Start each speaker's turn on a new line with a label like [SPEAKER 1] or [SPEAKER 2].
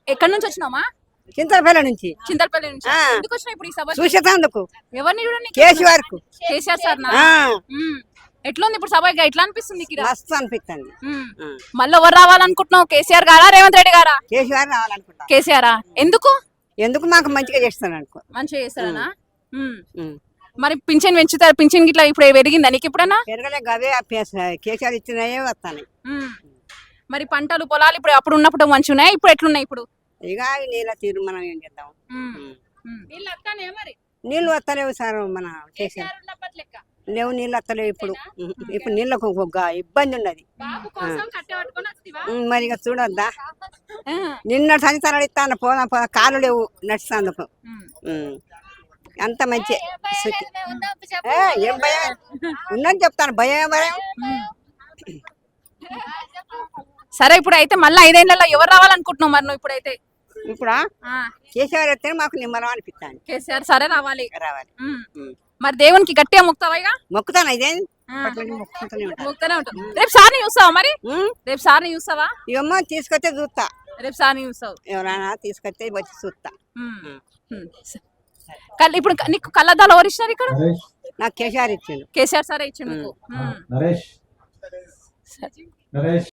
[SPEAKER 1] ఎక్కడి నుంచి వచ్చినామా?
[SPEAKER 2] చింతలపల్లి నుంచి
[SPEAKER 1] చింతలపల్లి నుంచి.
[SPEAKER 2] ఆ.
[SPEAKER 1] ఎందుకు వచ్చినావు ఇప్పుడు ఈ సభ?
[SPEAKER 2] చూసేటందుకు
[SPEAKER 1] ఎవరిని చూడండి?
[SPEAKER 2] కేసీఆర్ కు
[SPEAKER 1] కేసీఆర్ సార్ నా? ఎట్లుంది ఇప్పుడు సభ? ఎట్లా అనిపిస్తుంది నీకు?
[SPEAKER 2] మస్తు అనిపిస్తుంది.
[SPEAKER 1] మళ్ళీ ఎవరు రావాలనుకుంటున్నావు? కేసీఆర్ గారా రేవంత్ రెడ్డి గారా?
[SPEAKER 2] కేసీఆర్ రావాలనుకుంటా.
[SPEAKER 1] కేసీఆరా? ఎందుకు?
[SPEAKER 2] ఎందుకు మాకు మంచిగా చేస్తాను అనుకో.
[SPEAKER 1] మంచిగా చేస్తారనా? మరి పింఛన్ పెంచుతారు? పింఛన్ గిట్లా ఇప్పుడు పెరిగిందా నీకు ఎప్పుడన్నా?
[SPEAKER 2] పెరగలే గవే కేసీఆర్ ఇచ్చినాయే వస్తాయి.
[SPEAKER 1] మరి పంటలు పొలాలు ఇప్పుడు అప్పుడు ఉన్నప్పుడు మంచిగా ఉన్నాయి, ఇప్పుడు ఎట్లున్నాయి? ఇప్పుడు
[SPEAKER 2] ఇక నీళ్ళ తీరు మనం ఏం చేద్దాం. నీళ్ళు వస్తలేవు సార్. మన కేసీఆర్ లేవు, నీళ్ళు వస్తలేవు ఇప్పుడు. ఇప్పుడు నీళ్ళకు ఒక ఇబ్బంది ఉన్నది. మరి ఇక చూడొద్దా, నిన్న సంచారాలు ఇస్తాను పోదా పోదా, కాలు లేవు నడుస్తాందుకు. అంత మంచి ఏం భయం ఉన్నది చెప్తాను. భయం భయం.
[SPEAKER 1] సరే ఇప్పుడు అయితే మళ్ళీ 5 ఏళ్లలో ఎవరు రావాలనుకుంటున్నావు మరి నువ్వు ఇప్పుడైతే?
[SPEAKER 2] ఇప్పుడు కేసీఆర్ వస్తే మాకు నిమ్మలం అనిపిస్తాను.
[SPEAKER 1] కేసీఆర్ సరే రావాలి.
[SPEAKER 2] రావాలి.
[SPEAKER 1] మరి దేవునికి గట్టిగా మొక్కుతావా? ఇక
[SPEAKER 2] మొక్కుతాను. ఇదేం
[SPEAKER 1] మొక్కుతానే ఉంటావు. రేపు సార్ని చూస్తావా? మరి రేపు సార్ని చూస్తావా?
[SPEAKER 2] ఇవమ్మ తీసుకొస్తే చూస్తా.
[SPEAKER 1] రేపు సార్ని చూస్తావు?
[SPEAKER 2] ఎవరైనా తీసుకొస్తే వచ్చి చూస్తా.
[SPEAKER 1] ఇప్పుడు నీకు కళ్ళద్దాలు ఎవరు ఇచ్చినారు ఇక్కడ?
[SPEAKER 2] నాకు కేసీఆర్ ఇచ్చిండు.
[SPEAKER 1] కేసీఆర్ సరే ఇచ్చిండు.